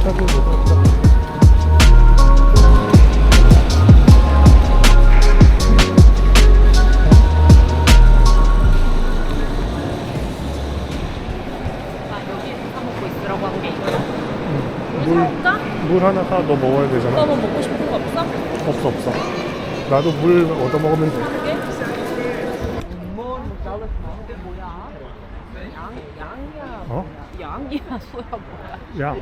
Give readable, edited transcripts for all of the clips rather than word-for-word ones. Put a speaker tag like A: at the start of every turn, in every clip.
A: 차도 높았다.
B: 여기에서 사 먹고 있으라고 한 게 이거야.
A: 물 하나 사. 너 먹어야 되잖아.
B: 너뭐 먹고 싶은 거 없어?
A: 없어. 나도 물 얻어 먹으면 돼.
B: 그게? 이게 뭐야? 양이야.
A: 어?
B: 양이야, 소야 뭐야?
A: 야.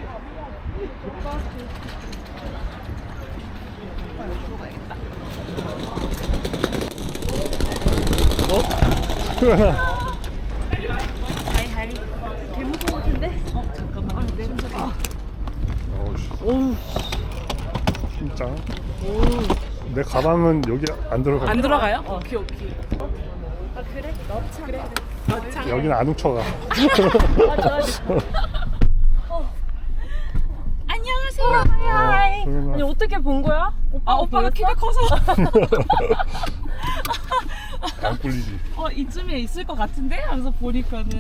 A: 어?
B: 다리. 개 무서운 것 같은데? 잠깐만. 내 손잡아.
A: 어우, 진짜. 내 가방은 여기 안 들어가.
B: 안 들어가요? 오케이. 아, 그래? 넣자. 그래. 넣자.
A: 여기는 안 훔쳐가.
B: 맞아. 안녕하세요. 하이. 아니 어떻게 본 거야? 오빠가 키가 커서.
A: 안 꿀리지.
B: 이쯤에 있을 것 같은데? 하면서 보니까는.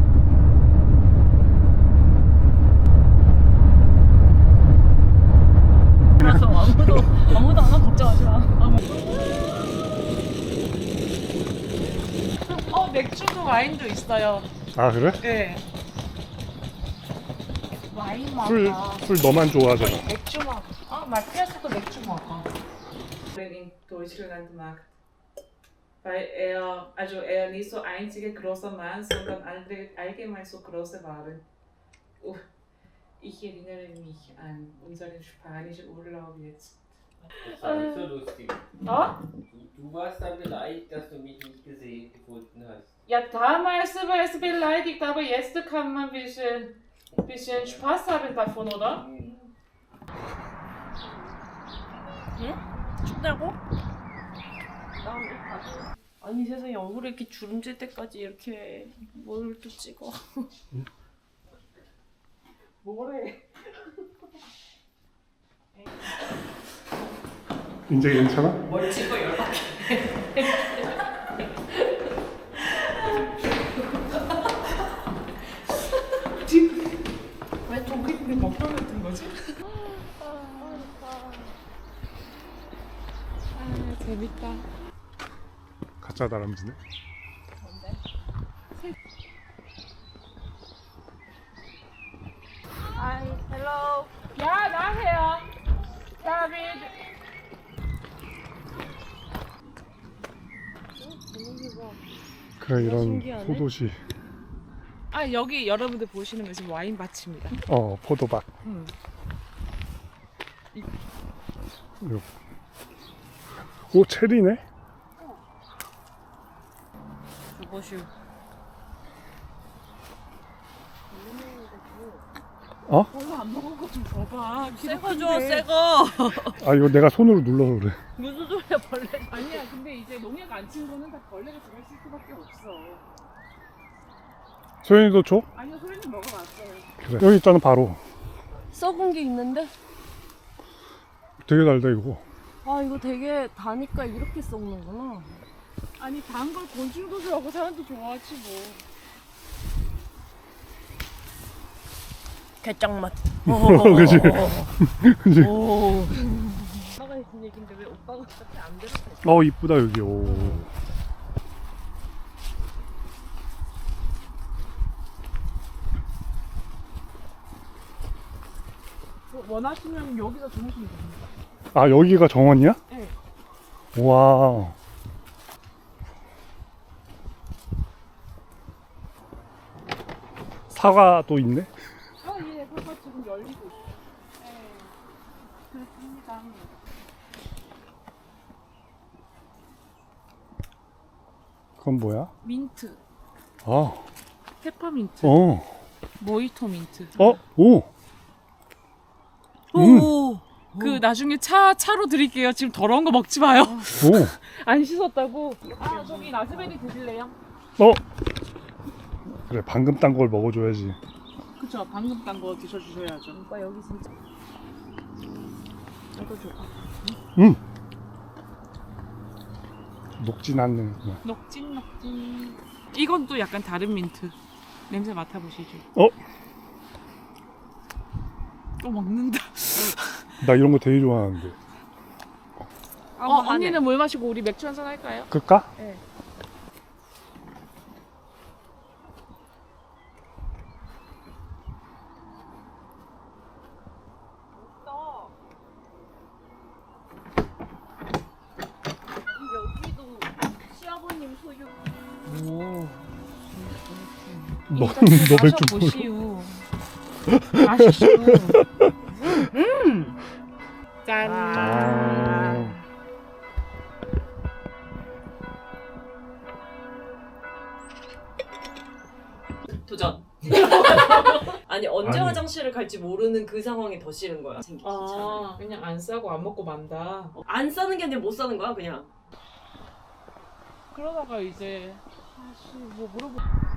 B: 그래서 아무도 안 와. 걱정하지 마. 맥주도 와인도 있어요.
A: 아 그래?
B: 네. 와인
A: 술 너만 좋아하잖아.
B: 맥주 먹어. 마티아스도 맥주 먹어. In Deutschland macht. Weil er nicht so einziger großer Mann, sondern allgemein so große waren. Ich erinnere mich an unseren spanischen Urlaub jetzt.
C: Das war nicht so lustig. Du warst dann beleidigt, dass du mich nicht gefunden hast.
B: Ja, damals war es beleidigt, aber jetzt kann man ein bisschen Spaß haben davon, oder? 응? 춥다고? 아니 세상에 얼굴에 이렇게 주름질 때까지 이렇게 뭘 또 찍어. 뭐래?
A: 이제 괜찮아?
B: 뭘 찍어 연락해. 왜 동그랗게 먹방 같은 거지? 재밌다.
A: 가짜 다람쥐네.
B: Hi, hello. 야, 나세요. 다비드.
A: 그래 이런
B: 신기하네.
A: 소도시.
B: 여기 여러분들 보시는 것이 와인 밭입니다.
A: 포도밭. 요. 오 체리네.
B: 그것이 별로 안 먹은 거 좀 줘봐. 새거 줘, 새거.
A: 아 이거 내가 손으로 눌러서 그래.
B: 무슨 소리야, 벌레. 아니야, 근데 이제 농약 안 친 거는 다 벌레가 들어있을 수밖에 없어.
A: 소연이도 줘?
B: 아니요, 소리는 먹어봤어요.
A: 그래. 여기 있잖아 바로.
D: 썩은 게 있는데?
A: 되게 달다 이거.
D: 이거 되게 다니까 이렇게 썩는구나.
B: 아니, 단 걸 곤충도 좋아하고 사람도 좋아하지 뭐.
D: 개짱맛.
A: 그치? 그치?
B: 오빠가 했던 얘긴데 왜 오빠가 그렇게 안 들었어?
A: 이쁘다 여기. 오.
B: 원하시면 여기서 주무시면 됩니다.
A: 아 여기가 정원이야?
B: 네.
A: 와. 사과도 있네.
B: 예, 그거 지금 열리고 있어요. 네, 그렇습니다.
A: 그건 뭐야?
B: 민트,
A: 아,
B: 페퍼민트, 모히토 민트.
A: 오.
B: 오. 그 나중에 차로 드릴게요. 지금 더러운 거 먹지 마요.
A: 오.
B: 안 씻었다고. 저기 라즈베리 드실래요?
A: 그래 방금 딴 걸 먹어줘야지.
B: 그쵸, 방금 딴 거 드셔주셔야죠.
D: 오빠 여기 진짜. 이거 줘.
A: 녹진 않네.
B: 녹진. 이건 또 약간 다른 민트. 냄새 맡아보시죠. 또 먹는다.
A: 나 이런 거 되게 좋아하는데.
B: 언니는 물 마시고 우리 맥주 한잔 할까요?
A: 끌까?
B: 네.
D: 여기도 시아버님 소유.
B: 오.
A: 너 맥주 모르
B: 보시오. 마시시오. 짠.
A: 아.
D: 도전. 아니 언제
A: 아니.
D: 화장실을 갈지 모르는 그 상황이 더 싫은 거야. 생기기 차라리.
B: 그냥 안 싸고 안 먹고 만다.
D: 안 싸는 게 아니라 못 싸는 거야 그냥.
B: 그러다가 이제 아씨 뭐 물어보.